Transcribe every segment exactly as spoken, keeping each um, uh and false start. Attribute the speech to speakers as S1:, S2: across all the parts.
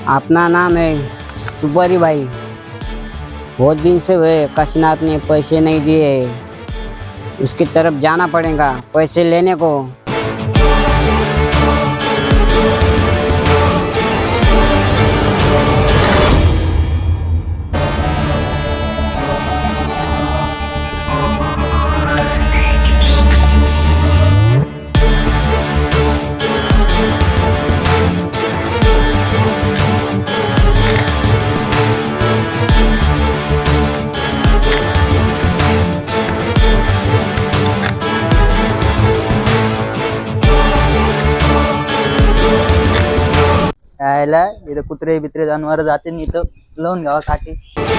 S1: अपना नाम है सुपारी भाई। बहुत दिन से हुए काशीनाथ ने पैसे नहीं दिए, उसकी तरफ जाना पड़ेगा पैसे लेने को।
S2: यायला इथं कुत्रे बित्रे जनावर जाते इथं लावून घ्यावा काठी।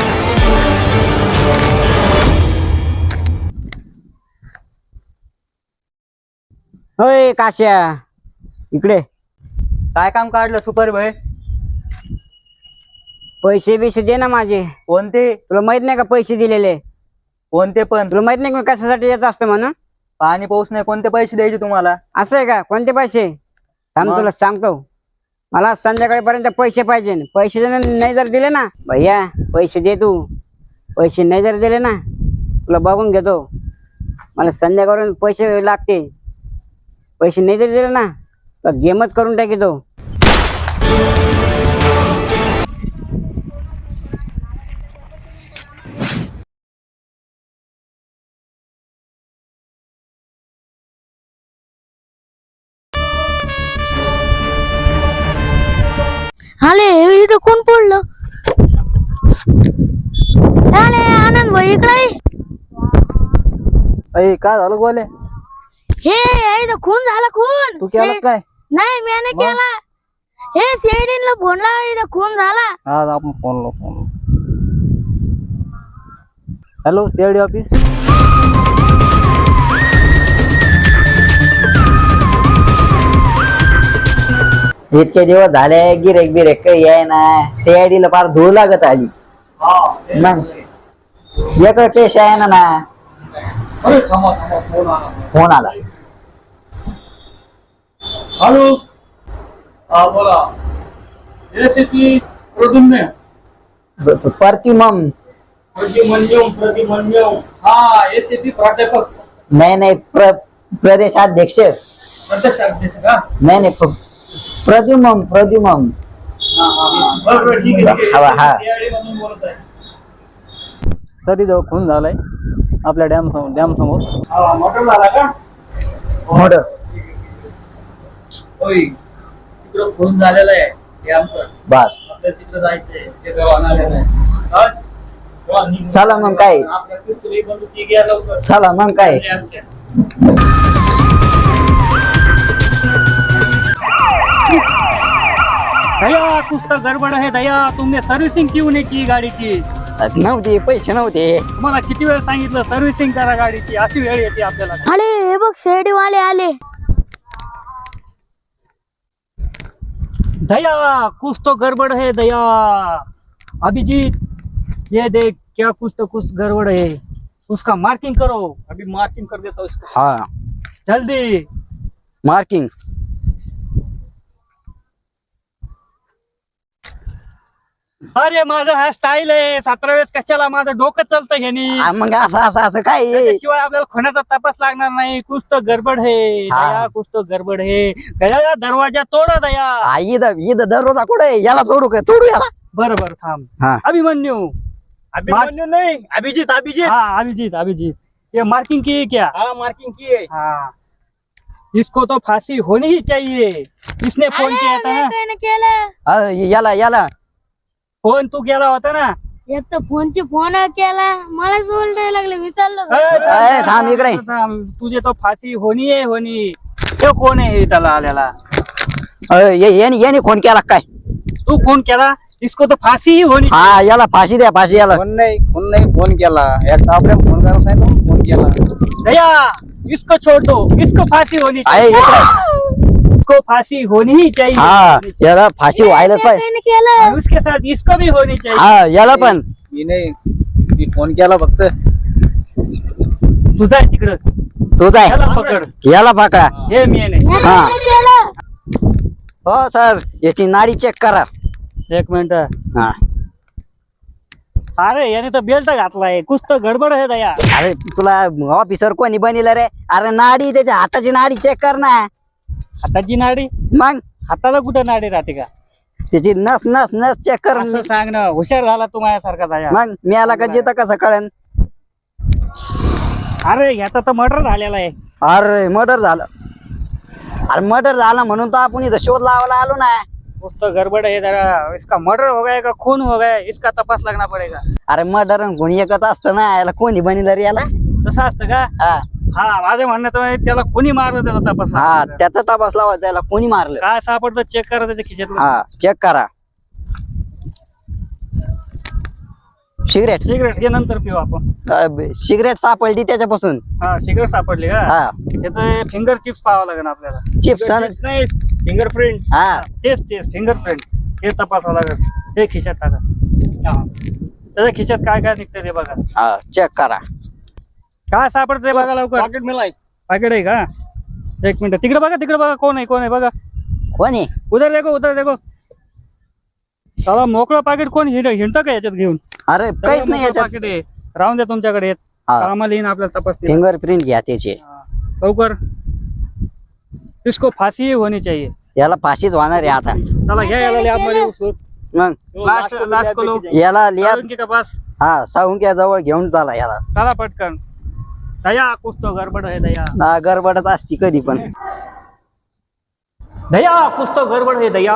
S1: होय काश्या, इकडे
S2: काय काम काढलं सुपर भाई?
S1: पैसे बिसे दे ना माझे।
S2: कोणते?
S1: तुला माहित नाही का पैसे दिलेले?
S2: कोणते पण?
S1: तुला माहित नाही का कशासाठी येत असतं म्हणून?
S2: पाणी पाऊस नाही, कोणते पैसे द्यायचे तुम्हाला?
S1: असं आहे का? कोणते पैसे? थांब
S2: मग?
S1: तुला सांगतो। मला संध्याकाळपर्यंत पैसे पाहिजे। पैसे जर नाही जर दिले ना भैया, पैसे दे तू। पैसे नाही जर दिले ना तुला बघून घेतो। मला संध्याकाळपर्यंत पैसे लागते। पैसे नाही जर दिले ना तर गेमच करून टाकीतो।
S3: आले इथं कोण पडलं? आले आनंद भाई इकडे।
S2: अय काय झालं गोले?
S3: हे इथं खून झाला खून।
S2: तू केलं
S3: से-
S2: काय?
S3: नाही मी
S2: मग?
S3: केला। हे सीआयडीला फोन लावा, इथं खून झाला।
S2: आज आपण फोन लो फोन हॅलो सीआयडी ऑफिस।
S1: इतके दिवस झाले गिरेक बिरेक काही आहे ना, सीआयडी ला फार धूळ लागत आली। मग एक केस आहे ना ना फोन आला।
S4: हॅलो, हा बोला। एसीपी प्रद्युम्न,
S1: प्रतिमम
S4: प्रतिमन्यम प्रतिमन्यम हा एसीपी प्राध्यापक
S1: नाही नाही प्र प्रदेशाध्यक्ष
S4: प्रदेशाध्यक्ष का?
S1: नाही नाही प्र- प्रद्युमम प्रद्युमम
S4: बरं बरं ठीक आहे ठीक
S1: हा, हा.
S4: आहे सीआयडी मधून बोलत आहे।
S2: सर इथं खून झालाय आपल्या डॅम समोर डॅम समोर।
S4: हा मॉडल झाला का?
S1: मर्डर।
S4: होय, तिकडं फोन झालेला आहे ते आमचं।
S1: बस
S4: आपल्याला तिकडे जायचंय, ते सगळं आणायला आहे। हा? चला, निघू.
S1: चला मग काय?
S4: आपल्या पिस्तुली बंदुकी घ्या लवकर।
S1: चला मग काय?
S4: चांगल्या असत्या।
S5: दया कुछ तो गड़बड़ है दया, तुमने सर्विसिंग क्यों नहीं की गाड़ी की?
S1: नव्हते पैसे नव्हते।
S5: तुम्हाला किती वेळ सांगितलं सर्व्हिसिंग करा गाडीची, अशी वेळ येते आपल्याला।
S3: आले हे बघ सीआयडी वाले आले।
S5: दया कुछ तो गड़बड़ है दया। अभिजीत ये देख क्या कुछ तो कुछ गड़बड़ है, उसका मार्किंग करो।
S4: अभी मार्किंग कर देता हूँ इसको।
S1: हाँ
S5: जल्दी।
S1: मार्किंग।
S5: अरे माझा हा स्टाईल आहे, सतरा वेळेस कशाला माझं डोकं चालतं ह्यानी।
S1: आ, मग असं असं असं काय आहे?
S5: शिवाय आपल्याला खुनाचा तपास लागणार नाही। कुछ तो गडबड है
S1: हा.
S5: दया, कुछ तो गडबड है दया, दरवाजा तोडा दया।
S1: आ, इथं इथं दररोजा कुठे याला तोडू का? तोडू याला।
S5: बरं बरं थांब।
S1: हाँ
S5: अभिमन्यु,
S4: अभिमन्यु नहीं, अभिजीत अभिजीत।
S5: हाँ अभिजीत अभिजीत, ये मार्किंग की है क्या?
S4: हाँ मार्किंग की है।
S5: हाँ, इसको तो फांसी होनी ही चाहिए। इसने फोन किया था ना,
S3: काय केलं?
S1: आ, याला याला
S5: फोन तू केला होता ना?
S3: एक तर फोनची फोन केला, मला बोलायला लागले, विचारलं का?
S5: ए,
S1: ए, थांब इकडे.
S5: थांब, तुझे तो फांसी होनी है होनी। तो कोण आहे त्याला आलेला?
S1: अ, ये- याने याने फोन केला काय?
S5: तू फोन केला, इसको तो फांसी ही होनी।
S1: हा याला फाशी द्या, फाशी याला।
S2: फोन नाही फोन नाही फोन केला याचा आपल्या फोन करायला सांगितलं फोन केला।
S5: दया इसको छोड़ दो, इसको फांसी होनी
S1: आहे
S5: चाहिए।
S1: इकडे।
S5: इसको फांसी होनी ही चाहिए।
S1: हा याला फाशी व्हायलाच पाहिजे।
S3: काय केलं?
S5: और उसके साथ इसको भी होनी चाहिए।
S1: हा याला पण।
S2: मी नाही मी फोन केला फक्त।
S5: तुझा आहे तिकडं,
S1: तुझा
S5: याला
S1: आहे,
S5: पकड।
S1: याला पकडा।
S5: हे मी नाही।
S1: हा.
S3: काय केलं?
S1: हो सर, याची नाडी चेक करा।
S5: एक मिनिट.
S1: हा
S5: अरे याने तर बेल्ट घातलाय, कुछ तर गडबड आहे दया.
S1: अरे तुला ऑफिसर कोणी बनिलं रे? अरे नाडी त्याच्या हाताची नाडी चेक कर ना.
S5: हाताची नाडी?
S1: मग
S5: हाताला कुठं नाडी राहते का?
S1: त्याची नस नस नस चेक कर.
S5: असं सांग ना, हुशार झाला तू माझ्यासारखा दया.
S1: मग मी आला का जिथं कसं कळन?
S5: अरे याचा तर मर्डर झालेला आहे.
S1: अरे मर्डर झालं. अरे मर्डर झाला म्हणून तर आपण इथं शोध लावायला आलो ना.
S5: कुछ तो गड़बड़ है जरा, इसका मर्डर हो गया का खून हो गया, इसका तपास लगना पड़ेगा.
S1: अरे मर्डर कोणी एकच असतं ना, याला कोणी बनिलं रे याला?
S5: तसं असतं का?
S1: हा
S5: हा, माझं म्हणणं तर त्याला कोणी मारलं त्याचा तपास
S1: हा
S5: लागायचा.
S1: त्याचा तपास लावायचा, याला कोणी मारलं.
S5: काय सापडतं चेक करा त्याच्या खिशातलं.
S1: हा चेक करा. सिगरेट
S5: सिगरेट हे नंतर पिऊ आपण.
S1: सिगरेट सापडली त्याच्यापासून.
S5: हा, सिगरेट सापडली का?
S1: हा
S5: त्याचं फिंगर चिप्स पाहावं लागेल आपल्याला.
S1: चिप्स
S5: नाही, फिंगरप्रिंट.
S1: हा
S5: तेच तेच फिंगरप्रिंट हे तपासावं लागेल. हे खिशात टाका. हा. त्याच्या खिशात काय काय निघतं ते बघा.
S1: हा चेक करा.
S5: काय सापडतं ते बघा लवकर.
S4: पॉकेट मिळाय.
S5: पाकिट आहे का? एक मिनिट, तिकडे बघा, तिकडे बघा, कोण आहे कोण आहे बघा.
S1: कोणी?
S5: उधर देखो, उधर देखो. त्याला मोकळं पाकिट कोण हिंड हिंडतं का याच्यात घेऊन?
S1: अरे काहीच नाही याच्यात.
S5: पाकिट आहे, राहून द्या तुमच्याकडे येत.
S1: हा.
S5: आम्हाला येईन आपल्याला तपास.
S1: फिंगरप्रिंट घ्या त्याचे.
S5: लवकर. इसको फाशी होनी चाहिए.
S1: याला फाशीच होणार आहे आता.
S5: चला घ्या याला लॅब मध्ये उचलून.
S1: मग
S5: लाश लाश को लो.
S1: याला लिया.
S5: साळुंकी का पास.
S1: हा साळुंक्या जवळ घेऊन चाला याला.
S5: चला पटकन. दया कुछ तो गडबड है दया.
S1: ना गडबडच असती कधी पण.
S5: दया कुछ तो गडबड है दया.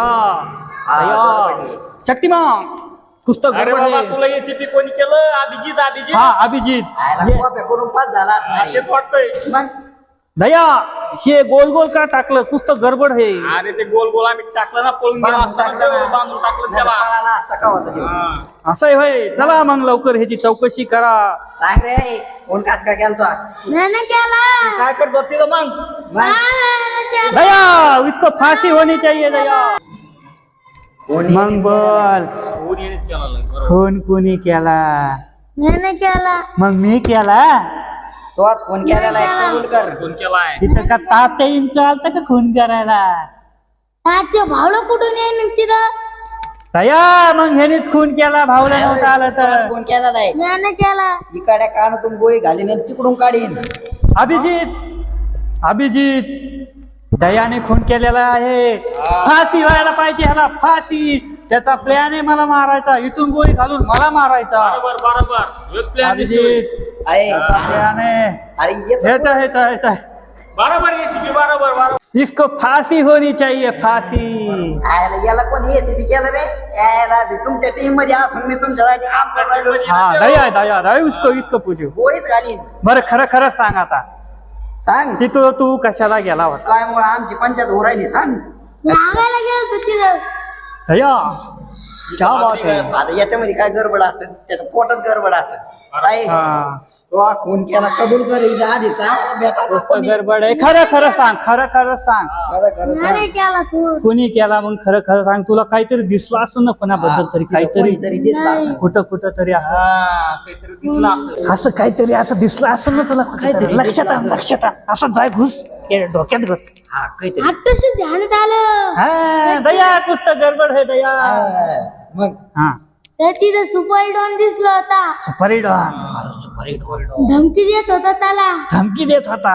S5: दया शक्तिमान कुछ तो
S4: अरे
S5: गडबड
S4: बाबा,
S5: है.
S4: तुला एसीपी कोणी केलं? अभिजित अभिजित
S5: हा अभिजित.
S1: करून पास झाला असणार.
S4: तेच वाटतंय.
S1: मग
S5: दया हे गोल गोल का टाकलं? कुछ तो गडबड है.
S4: अरे ते गोल गोल आम्ही टाकलं ना, पळून गेला
S1: बांधून
S4: असता
S1: टाकलं
S4: ना,
S1: ना.
S4: बांधून टाकलं
S1: नाही तर
S4: त्याला.
S1: पळाला असता का होता तो.
S4: हा.
S5: असं आहे होय. चला मग लवकर ह्याची चौकशी करा.
S1: सांग रे कोण कास का केलतो?
S3: मैंने केला.
S4: काय करतो तिथं मग?
S1: मग
S3: मैंने केला.
S5: दया इसको फांसी होनी चाहिए दया.
S1: कोणी?
S5: मग बोल,
S4: कोण येणेच केला नाही, बरोबर.
S5: खून कोणी केला?
S3: मैंने केला.
S5: मग मी केला.
S1: तोच कोण केलेला आहे कबूल कर.
S4: कोण केलाय?
S5: तिथं का तात्या येईन चालतं का खून करायला?
S3: ते भावलं कुठून येईन तिथं?
S5: दया मग ह्यानेच खून केला, भावला नव्हता आलं
S1: तोच
S5: तर.
S1: कोण केलेला आहे?
S3: मैंने केला.
S1: इकडे कानातून गोळी घालीन आणि तिकडून काढीन.
S5: अभिजित अभिजित दयाने खून केलेला आहे. फाशी व्हायला पाहिजे ह्याला, फाशी. त्याचा प्लॅन आहे मला मारायचा, इथून गोळी घालून मला मारायचा.
S4: बरोबर बरोबर. हेच प्लॅन दिसतोय.
S5: अभिजित
S1: आहे.
S5: प्लॅन आहे
S1: अरे येतो.
S5: ह्याचा ह्याचा ह्याचा.
S4: बरोबर एसीपी बरोबर बरोबर.
S5: इसको फांसी होनी चाहिए, फांसी.
S1: याला याला कोण एसीपी केलं रे? याला बी तुमच्या टीम मध्ये असून मी तुमच्यासाठी काम करायलो.
S5: हा दया दया दया उसको इसको पूछो.
S1: गोळीच घालीन.
S5: बरं खरं खरं सांग आता,
S1: सांग
S5: तिथं तू कशाला गेला होता?
S1: काय मुळे आमची पंचायत हो राहिली सांग.
S3: लागायला गेलो तिथं.
S5: दया क्या बात है.
S1: आता याच्यामध्ये काय गडबड असेल? त्याच्या पोटात गडबड असेल. काय
S5: हा
S1: तो खून केला कबूल कर. इथं आधी सांग बेटा.
S5: नुसतं गडबड आहे. खरं खरं सांग, खरं खरं सांग.
S1: खरं खरं सांग.
S3: मैंने केला खून.
S5: कोणी केला मग खरं खरं सांग. तुला काहीतरी दिसलं असं ना कोणाबद्दल तरी, काहीतरी
S1: कोणीतरी दिसला असेल.
S5: कुठं कुठं तरी असं
S4: हा, काहीतरी दिसलं असं.
S5: असं काहीतरी असं दिसलं असं ना तुला कुठेतरी. लक्षात आण, लक्षात आण. असं जाय घुस ये डोक्यात घुस.
S1: हा काहीतरी.
S3: आत्ताशी ध्यानात आलं.
S5: हा दया कुछ तो गडबड है दया.
S1: हा, मग
S5: हा
S3: तर तिथं सुपर डॉन दिसला होता.
S5: सुपारी डॉन
S3: धमकी देत होता त्याला.
S5: धमकी देत होता.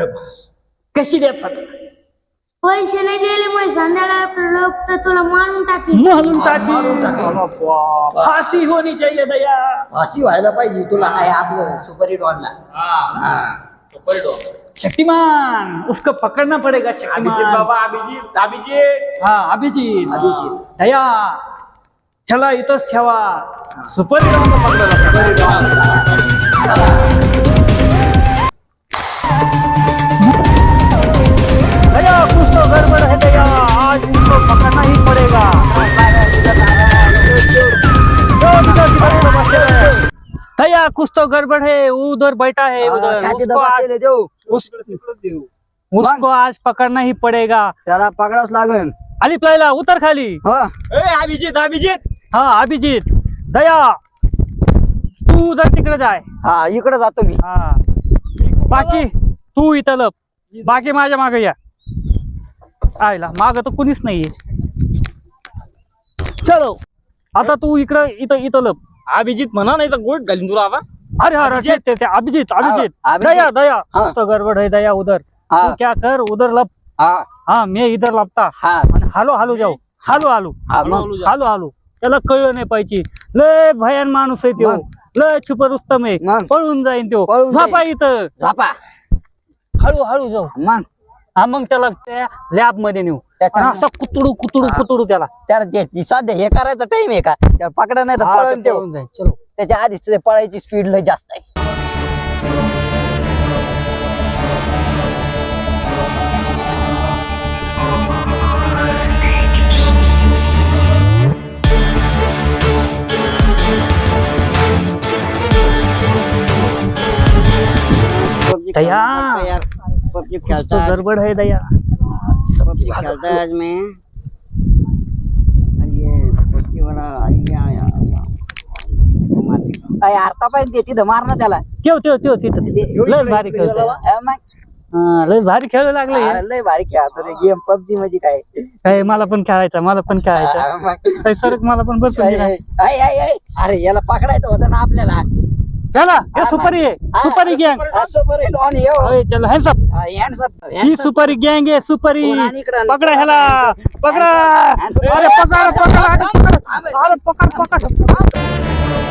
S5: कशी देत होता?
S3: पैसे नाही दिले मग संध्याकाळ लोक तर तुला मारून टाकली.
S5: मारून टाकी.
S1: मारून टाकी.
S5: बाबा, बाबा. फाशी होनी चाहिए दया.
S1: अशी व्हायला पाहिजे. तुला आहे आपलं सुपरी डॉनला.
S4: हा.
S1: हा
S4: पळतो.
S5: शक्तिमान उसको पकड़ना पड़ेगा.
S4: अभिजित
S5: शक्तिमान.
S4: बाबा अभिजित अभिजित.
S5: हा अभिजित
S1: अभिजित.
S5: दया ठेला इथंच ठेवा. सुपर हिरो दया कुछ तो गड़बड़ है दया. आज उसको पकड़ना ही पड़ेगा. दया कुछ तो गड़बड़ है. उधर बैठा है उधर.
S1: काय तिथं
S5: उसको आज
S1: बसलेले देऊ?
S5: उस- उसको आज पकड़ना ही पड़ेगा.
S1: त्याला पकडावच लागेल.
S5: आली प्लायला उतर खाली.
S1: हो
S4: ए अभिजित अभिजित.
S5: हा अभिजित दया तू उधर तिकडे जाय.
S1: हा इकडे जातो मी.
S5: हा बाकी तू इथं लप. बाकी माझ्या मागे या. आयला माग तर कुणीच नाहीये. चलो आता तू इकडं इथं इथं लप.
S4: अभिजित म्हणा नाही तर गोट घालीन तुला आता.
S5: अरे अरे ते- ते- ते अभिजित अभिजित
S2: अभिजित.
S5: दया दया
S2: हाँ।
S5: तो गड़बड़ है दया उधर.
S2: हाँ।
S5: तू क्या कर उधर लप.
S2: हा
S5: हाँ मैं इधर लपता
S2: हा
S5: आणि हालो हालो जाऊ हालो हालो
S2: हा मग
S5: हालो हालो त्याला कळलं नाही पाहिजे. लय भयान माणूस आहे तो.
S2: मग.
S5: लय छुपर रुस्तम आहे.
S2: मग.
S5: पळून जाईन तो.
S2: पळून जाईन.
S5: झोपा इथं
S2: झापा
S5: हळू हळू जाऊ.
S2: मग
S5: हा मग त्याला त्या लॅब मध्ये नेऊ.
S2: त्याच्या-
S5: आणि असं कुतडू कुतडू कुतडू त्याला
S2: त्याला ते- सध्या हे करायचा टाइम आहे का त्याला पकडा नाही तर
S5: हा,
S2: पळून
S5: ते
S2: ठेव.
S5: पळून जाईल. चलो
S2: त्याच्या आधीच ते पळायची स्पीड लय जास्त आहे.
S1: पबजी
S5: दया.
S1: खेलता यार, पबजी
S5: तो
S1: खेलता है,
S5: गड़बड़ है दया.
S1: पबजी खेलता है आज मैं. अरे ये पबजी वाला ये आया
S2: अय, अर्धा पाहिजे ते तिथं मार ना त्याला.
S5: ठेव ठेव ठेव तिथं लय भारी खेळतोय.
S2: हा, मग.
S5: हा, लय भारी खेळू लागले.
S2: हा, लय भारी खेळतो ते गेम पबजी मध्ये काय
S5: काय मला पण खेळायचा मला पण खेळायचा.
S2: हा, मग.
S5: काय सरक मला पण बसून
S2: अय,
S5: दिला.
S2: अय, अय, अय, अय. अरे याला पकडायचं होतं ना आपल्याला.
S5: चला हे सुपारी आहे
S2: हा,
S5: सुपारी गँग.
S2: हा, super hit on you.
S5: अरे चल हॅन्ड्स अप.
S2: हा, hands up, hands
S5: ही
S2: up.
S5: सुपारी गँग आहे सुपारी.
S2: कोण आणि इकडं?
S5: पकडा ह्याला पकडा.
S2: hands up.
S5: अरे पकड पकड अरे पकड. अरे पकड पकड.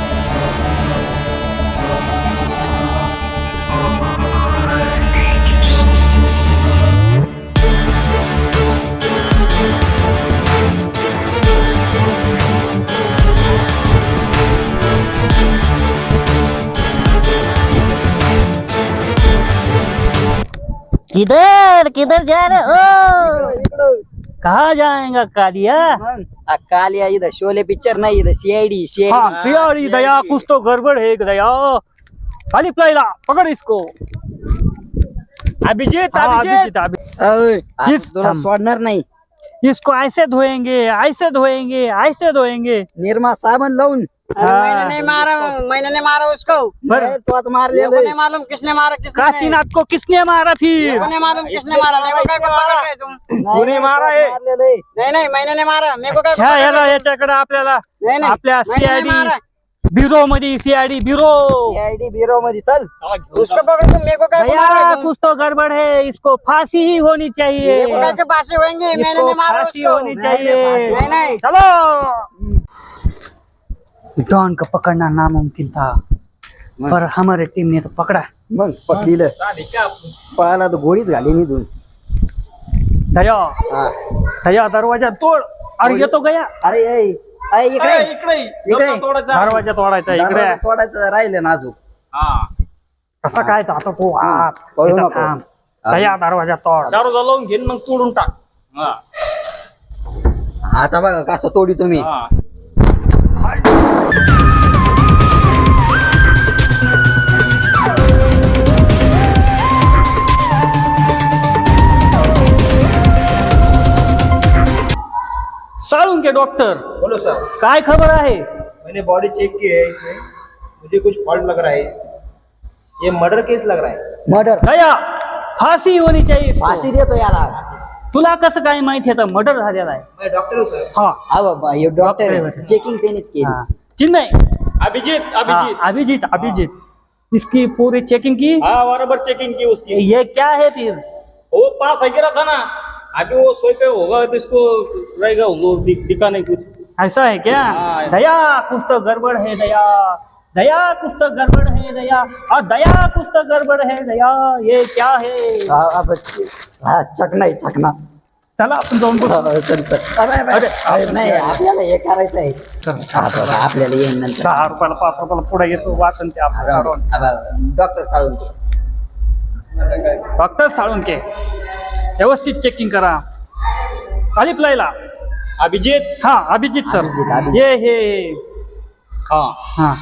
S5: किधर किधर जा रहे हो.
S2: इकडं.
S5: कहाँ जाएगा कालिया.
S2: मग. हा, काल या इथं शोले पिक्चर नाही इथं सीआयडी
S5: हाँ
S2: सीआयडी
S5: सियारी दया कुछ तो गड़बड़ है दया. खाली प्लाईला पकड़ इसको.
S4: अभिजित
S5: हाँ,
S4: अभिजित
S5: अभिजित अभिजित. इस-
S2: तुला सोडणार नाही.
S5: इसको ऐसे धोएंगे ऐसे धोएंगे ऐसे धोएंगे.
S2: निर्मा साबण लावून.
S1: अरे मैंने नहीं मारा मैंने नहीं मारा उसको.
S2: नाही, तो आता मारलेलं
S1: मेरे को
S2: आहे.
S1: नहीं मालूम किसने मारा किसने नहीं.
S5: काशीनाथ को किसने मारा फिर.
S1: मेरे को नहीं मालूम किसने मारा. मेरे को क्या को मारा है तुम.
S2: नाही,
S4: कोणी मारा
S2: तो
S4: आहे?
S2: मारलेलं आहे.
S1: नहीं नहीं मैंने नहीं मारा. मेरे को क्या को
S5: ह्या
S1: मारा
S5: ह्याला
S1: है?
S5: याच्याकडे आपल्याला
S1: नहीं नहीं
S5: आपल्या
S1: मैंने नहीं मारा.
S5: सीआयडी ब्युरो मध्ये सीआयडी ब्युरो.
S2: सीआयडी ब्युरो मध्ये चल.
S1: उसको पकड़ तुम. मेरे को क्या को मारा
S5: दया
S1: है तुम.
S5: कुछ तो गड़बड़ है इसको फांसी ही होनी चाहिए.
S1: मेरे को क्या के पासे होंगे. मैंने
S5: इसको
S1: नहीं मारा
S5: फांसी
S1: उसको.
S5: होनी चाहिए.
S1: नहीं नहीं
S5: चलो. डॉन को पकड़ना नामुमकिन था पर हमारे टीम ने तो पकड़ा.
S2: मग पकडीलं पळाला तर गोळीच घाली निघून.
S5: दया
S2: हा.
S5: दया दरवाजा तोड. अरे येतो गया.
S2: अरे ऐ, ऐ, इकडे
S4: इकडे
S2: इकडे.
S5: दरवाजा तोडायचा इकडे.
S2: दरवाजा तोडायचं राहिलं ना अजून.
S5: कसं काय आता तू आत
S2: पळू
S5: इथं
S2: नको.
S5: थांब. दया दरवाजा तोड.
S4: दारू लावून घेईन मग तोडून टाक. हा.
S2: आता बघा कसं तोडी तुम्ही.
S4: हा.
S5: साळून के डॉक्टर
S6: बोलो सर.
S5: काय खबर आहे.
S6: मैंने बॉडी चेक की है इसमें, मुझे कुछ फॉल्ट लग रहा है. ये मर्डर केस लग रहा है.
S2: मर्डर.
S5: दया फाशी होनी चाहिए इसको.
S2: फाशी देतो याला.
S5: तुला कसं काय माहिती याचा मर्डर झालेला आहे.
S6: मैं डॉक्टर हूँ सर.
S5: हा
S2: हा बाबा हे डॉक्टर
S5: डॉक्टर आहे.
S2: चेकिंग त्यांनीच केली.
S5: हा. चिन्मय
S4: अभिजित
S5: हाँ,
S4: अभिजित
S5: अभिजीत अभिजीत इसकी पूरी चेकिंग की.
S4: हाँ बराबर चेकिंग की उसकी.
S5: ये क्या है फिर.
S4: वो पास है गिरा था ना. अभी वो सोए पे होगा तो इसको रहेगा वो दि, दिखा नहीं कुछ.
S5: ऐसा है क्या.
S4: हाँ.
S5: दया कुछ तो गड़बड़ है दया. दया कुछ तो गड़बड़ है दया. और दया कुछ तो गड़बड़ है दया. ये क्या है.
S2: हा, हा, हा, चकना आहे, चकना.
S5: चला आपण जाऊन बघू.
S2: हा, चल, चल. अरे, अरे, अरे, नाही आपल्याला हे करायचं आहे. हा, बघा, आपल्याला येईन नंतर.
S5: दहा रुपयाला पाच रुपयाला पुढे येतो वाचन ते आपण.
S2: डॉक्टर साळून.
S5: डॉक्टर साळुंके व्यवस्थित चेकिंग करा. खाली प्लायला.
S4: अभिजित.
S5: हाँ अभिजीत सर.
S2: अभिजीत, अभिजीत.
S5: ये है.
S4: हाँ
S5: हाँ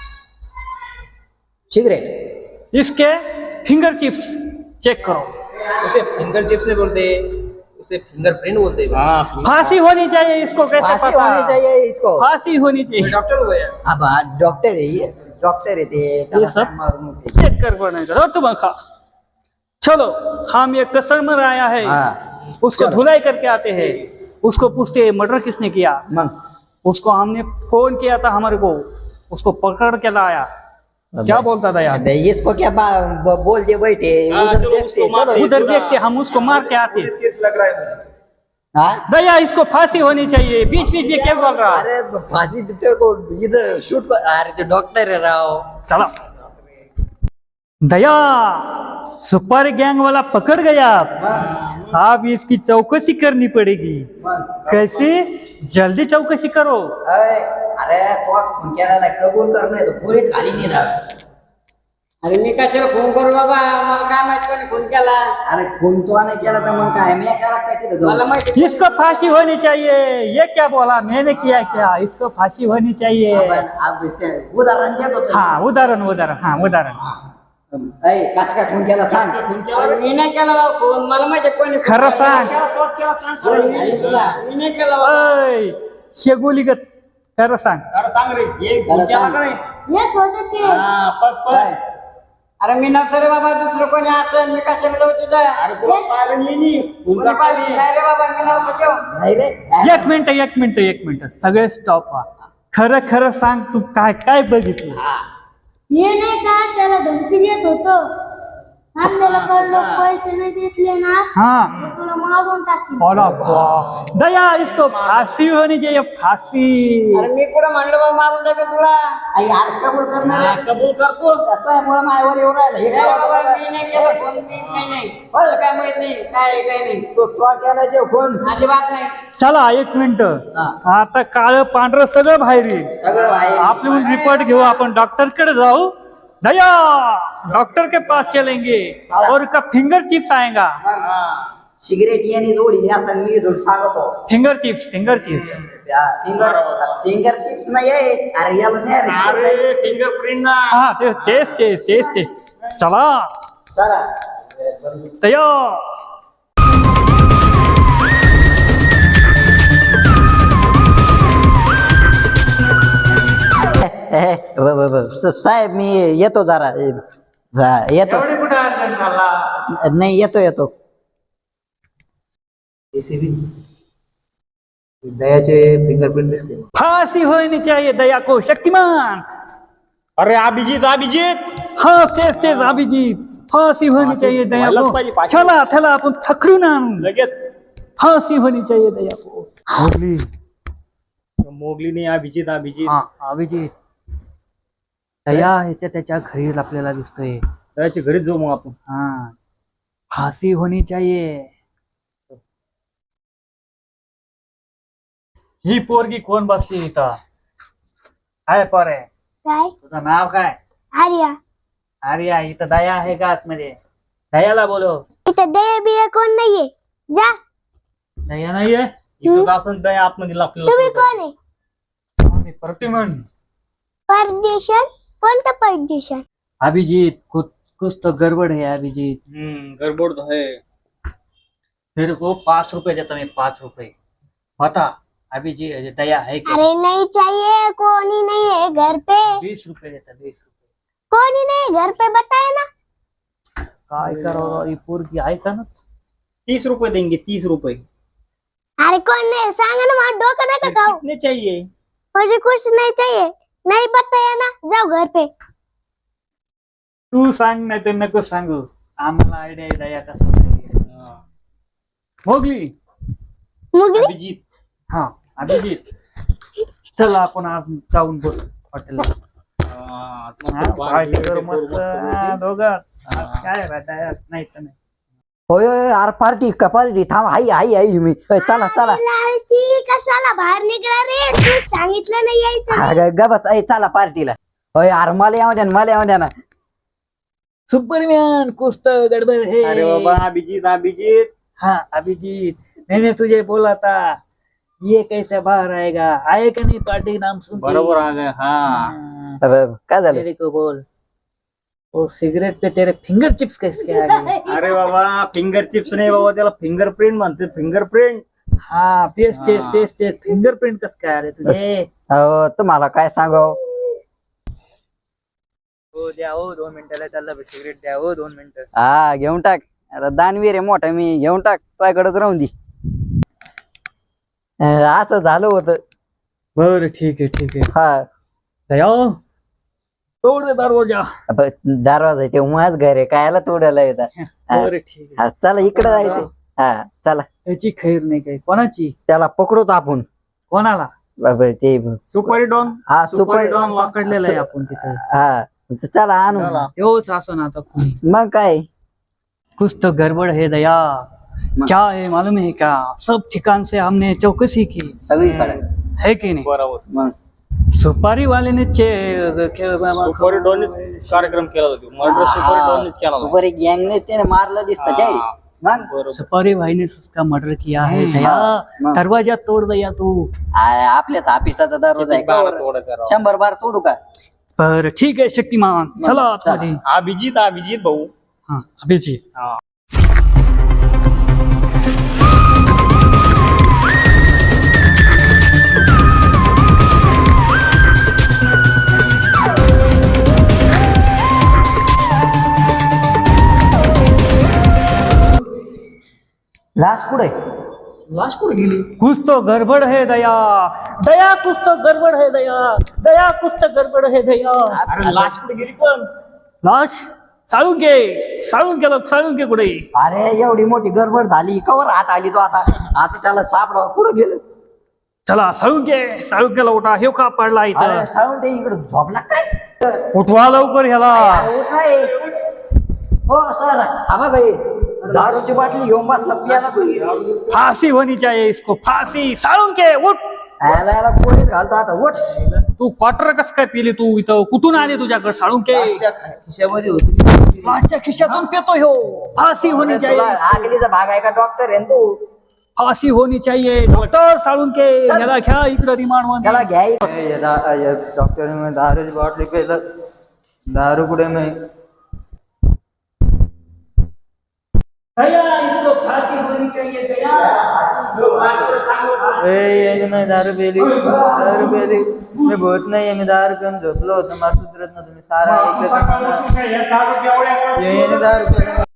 S2: सिगरेट.
S5: इसके फिंगर चिप्स चेक करो.
S6: उसे फिंगर चिप्स नहीं बोलते, उसे फिंगरप्रिंट बोलते हैं.
S4: हाँ.
S5: फांसी होनी चाहिए इसको. कैसे
S2: फांसी
S5: पता.
S2: होनी चाहिए इसको.
S5: फांसी होनी
S6: मैं
S5: चाहिए.
S6: डॉक्टर हूँ भैया.
S2: अब हा डॉक्टर आहे ये. डॉक्टर आहे ते.
S5: ये सब चेक कर बनाएगा तुम खा. चलो हम ये कस्टमर आया है
S2: हाँ.
S5: उसको
S2: चलो.
S5: धुलाई करके आते हैं. उसको पूछते हैं मर्डर किसने किया.
S2: मग
S5: उसको हमने फोन किया था हमारे को, उसको पकड़ के लाया। क्या बोलता था यार?
S2: अबे, इसको क्या बा- ब- बोल दे बैठे
S4: हाँ,
S2: उधर
S4: चलो
S2: देखते
S4: उसको मार
S2: चलो
S4: दे।
S5: उधर देखते, हम उसको मार के आते।
S6: पुलिस केस लग रहा है मुझे।
S2: हाँ
S5: दया, इसको फांसी होनी चाहिए। बीच बीच में क्या बोल रहा?
S2: अरे तो फांसी तेरे को इधर शूट कर, अरे तो डॉक्टर है राव।
S5: चलो दया, सुपारी गैंग वाला पकड़ गया। अब इसकी चौकसी करनी पड़ेगी। कैसे? जल्दी चौकसी करो।
S2: अरे अरे तो फोन केला ना, कबूल कर नाही तर पुरीच खाली नाही जात.
S1: अरे मी कशाला फोन करू बाबा, मला काय माहित कोणी फोन केला.
S2: अरे फोन तो नाही केला तर मग काय मी करा काय तिथं जाऊन?
S1: मला माहिती
S5: इसको फांसी होनी चाहिए। ये क्या बोला? मैंने किया क्या? इसको फांसी होनी चाहिए।
S2: आपण आप ते उदाहरण देत होतो.
S5: हाँ उदाहरण उदाहरण हाँ उदाहरण।
S2: ऐ काच काय फोन केला सांग.
S1: अरे मी नाही केला बाबा फोन, मला माहिती कोणी फोन
S5: खरं
S1: केला.
S5: सांग।
S1: मी नाही केला बाबा.
S5: ओय, शेगुलीगत खरं सांग।
S4: अरे सांग रे, ये
S2: खरं
S4: केला
S2: सांग.
S4: का नाही?
S3: येत होते ते
S4: हा, पग पग.
S2: काय?
S1: अरे मी नव्हतो रे बाबा, दुसरं कोणी असं मी कशाला लावू तिथं.
S4: अरे तुला पाहिलं नाही नी.
S1: कोणी पाहिलं नाही रे बाबा, मी नव्हतो तेव्हा.
S2: नाही रे.
S5: एक मिनिट एक मिनिट एक मिनिट सगळे स्टॉप व्हा। खरं खरं सांग, तू काय काय बघितलं?
S3: हे नाही का त्याला धमकी देत होतो, आपल्याला कडलो पैसे नाही देतले ना
S5: हाँ
S3: तर तुला मारून टाकीन.
S5: बोला बा। दया, इसको फांसी होनी चाहिए, फांसी।
S1: अरे मी कुठं म्हणलं बाबा मारून टाकेल तुला.
S2: आई यार कबूल करणार
S4: हा,
S2: आहे.
S4: कबूल करतो.
S2: तो मुळे माझ्यावर येऊन राहिला. हे
S1: नाही
S2: काय
S1: बाबा,
S2: बाबा?
S1: मी नाही केलं फोन, मी काही नाही. मला काय माहित नाही, काय आहे, काय नाही.
S2: तो तो केला ते फोन.
S1: अजिबात नाही.
S5: चला एक मिनिट,
S2: हा.
S5: आता काळं पांढरं सगळं बाहेर येईल।
S2: सगळं बाहेर.
S5: आपले रिपोर्ट घेऊ, आपण डॉक्टर कडे जाऊ। दया, डॉक्टर के पास चलेंगे और उसका फिंगर चिप्स आएगा।
S2: सिगरेट याने जोडी असं मी इथून सांगतो.
S5: Finger chips, finger chips.
S2: Finger finger chips नाही आहे. अरे याला नाही रे.
S4: अरे फिंगरप्रिंट ना.
S5: हाँ ते तेच ते तेच ते। चला
S2: चला.
S5: दया।
S2: ए, ब- ब- ब- स- साहेब मी येतो जरा. हा, येतो.
S5: एवढे कुठे अर्जंट झाला?
S2: नाही येतो येतो.
S6: दयाचे फिंगरप्रिंट दिसते.
S5: फांसी होनी चाहिए दया को, शक्तिमान।
S4: अरे अभिजित अभिजित.
S5: हाँ तेच तेच अभिजीत, फांसी होनी चाहिए दया
S4: व्हायलाच
S5: को।
S4: पाहिजे फाशी.
S5: चला चला आपण थकरून आणू।
S4: लगेच.
S5: फांसी होनी चाहिए दया को। मोगली।
S4: मोगली नाही, अभिजित अभिजित.
S5: हाँ अभिजीत, दया ह्याच्या त्याच्या घरी आपल्याला दिसतोय।
S4: दयाच्या घरीच जाऊ मग आपण.
S5: हाँ फांसी होनी चाहिए। ही पोरगी कोण बसली इथं? काय पोरे,
S3: काय
S5: तुझं नाव काय?
S3: आर्या,
S5: आर्या, इथं दया आहे का आतमध्ये? दयाला बोलो।
S3: इथं दया बिया कोण नाहीये, जा.
S5: दया नाहीये?
S4: इथंच असं दया आतमध्ये
S3: तुम्ही
S4: आपल्याला.
S3: कोण आहे?
S5: मी प्रतिमन।
S3: परदेशन? कोणतं परदेशन?
S5: अभिजीत, कुछ कुछ तो गड़बड़ है अभिजीत।
S4: हम्म, गडबड तो है.
S5: मेरे को पाँच रुपए देता, मैं पाँच रुपए। बता अभिजीत, दया है क्या?
S3: अरे नहीं चाहिए, कोनी नहीं है घर पे,
S5: बीस रुपए देता, बीस रुपए।
S3: कोनी नहीं घर पे, बताए ना.
S5: काय करो ये पोरगी ऐका ना।
S4: तीस रुपए देंगे, तीस रुपए.
S3: अरे कौन नहीं, सांगा ना, वहाँ डोका ना का खाओ.
S4: कितने चाहिए?
S3: मुझे कुछ नहीं चाहिए, नहीं बताया ना, जाओ घर पे.
S5: तू सांग नाही तर नको सांगू, आम्हाला आयडिया आहे दया कसं पाहिजे. मोगली।
S3: मुगली
S4: अभिजित.
S5: हाँ अभिजीत, चला आपण आज जाऊन बोल हॉटेलला।
S4: हा,
S5: पार्टी करू मस्त हा, दोघंच। आज काय रे दया नाही तर नाही।
S2: होय होय अरे पार्टी का पार्टी थांब. आई आई आई मी होय, चला चला.
S3: लालची कशाला बाहेर निघला रे, तू सांगितलं नाही यायचं.
S2: हा, ग- ग बस. ऐ चला पार्टीला. होय अरे मला येऊ द्या ना, मला येऊ द्या ना.
S5: सुपरमैन कुछ तो गड़बड़ है।
S4: अरे बाबा अभिजित अभिजित.
S5: हाँ अभिजीत, मैंने तुझे बोला था ये कैसे बाहर आएगा, आए कि नहीं पार्टी नाम सुन के?
S4: बरोबर आ गए. हा.
S5: हाँ,
S2: अब काय झालं?
S5: तेरे को बोल, वो सिगरेट पे तेरे फिंगर चिप्स कैसे आ गए?
S4: अरे बाबा फिंगर चिप्स नाही बाबा, त्याला फिंगरप्रिंट म्हणते. फिंगरप्रिंट.
S5: हाँ तेच तेच
S4: हाँ.
S5: तेच तेच फिंगरप्रिंट कस काय आले तुझे?
S2: अहो तुम्हाला काय सांगाव.
S6: हो द्या हो, दोन मिनिटाला त्याला सिगरेट द्या हो, दोन मिनिटं.
S2: हा घेऊन टाक. अरे दानवीर आहे मोठा मी, घेऊन टाक. तुझ्याकडेच राहून दे. अं, असं झालं होतं.
S5: बर ठीक आहे ठीक आहे.
S2: हा
S5: दया तोड दे दरवाजा.
S2: अब दरवाजा आहे ते माझ घर आहे कायला तोडायला येतात.
S5: बर ठीक आहे.
S2: हा चला इकडे जायचं. हा चला
S5: त्याची खैर नाही काही. कोणाची?
S2: त्याला पकडूच आपण.
S5: कोणाला?
S2: बाबा ते
S6: सुपारी डॉन
S2: हा सुपर
S5: डॉन पकडलेला आहे आपण तिथे.
S2: हा चला आणू.
S5: तेच असं ना आता कोणी.
S2: मग काय
S5: कुछ तो गड़बड़ है दया. क्या है मालूम है क्या? सब ठिकान से हमने चौकसी की
S2: सगळीकडे
S5: है की नाही.
S4: बरोबर.
S2: मग
S5: सुपारी वाल्याने चे
S4: सुपारी डॉननेच कार्यक्रम केला होता मर्डर सुपारी डॉननेच केला होता.
S2: सुपर गँगने त्याने मारलं दिसतं ते. मग
S4: बरोबर.
S5: सुपारी भाई ने उसका मर्डर किया है दया.
S2: मग.
S5: दरवाजा तोड़ दया तू.
S2: आ- आपल्याच ऑफिसाचा दरवाजा आहे
S4: किती बारा
S2: का?
S4: तोडायचा राव.
S2: शंभर बार तोडू का?
S5: बर ठीक आहे शक्तिमान चला आतमध्ये.
S4: अभिजित अभिजित भाऊ.
S5: हा अभिजित.
S4: हा.
S2: लास्ट पुढे
S5: लाश कुठे गेली? कुछ तो गडबड है दया. दया कुछ तो गडबड है दया. दया कुछ तो गडबड है दया.
S4: अरे लास्ट कुठे गेली पण?
S5: लाश साळून घे. साळून गेलं साळून घे कुठे.
S2: अरे एवढी मोठी गडबड झाली कवर हात आली तो आता आता त्याला सापडा कुठं गेलं.
S5: चला साळून घे. साळून गेला उठा. हे का पडला इथं.
S2: अरे साळून ते इकडे झोपला काय?
S5: उठवा लवकर ह्याला.
S2: अरे उठ रे. हो सर हा बघ हे दारूची बाटली घेऊन बसला पियाला तू.
S5: फांसी होनी चाहिए इसको. फांसी. साळून घे उठ.
S2: याला याला गोळीत घालतो आता उठ.
S5: तू क्वार्टर कस काय पिली तू इथं? कुठून आले तुझ्याकडे? साळून घे.
S6: लास्टच्या खिशामध्ये होती.
S5: लाशच्या खिशातून पेतो ह्यो. फांसी होनी
S2: तुला
S5: चाहिए.
S2: आगलीचा भाग आहे का डॉक्टर आहे ना तू.
S5: फांसी होनी चाहिए. डॉक्टर साळून घे. ह्याला घ्या इकडे रिमांड मध्ये.
S2: त्याला घ्याय
S7: डॉक्टर में दारू बॉटली पे दारू कुड़े में
S5: दया इसको फांसी होनी चाहिए दया. डॉक्टर सांगो फांसी.
S7: ए ये मैं दारू पेली दारू पेली मैं बहुत नहीं है मैं दारू पिऊन झोपलो होतो मला सुधरत ना तुम्ही सारा ऐकलं का मला
S5: हे दारू एवढ्या
S7: ये ये दारू पेली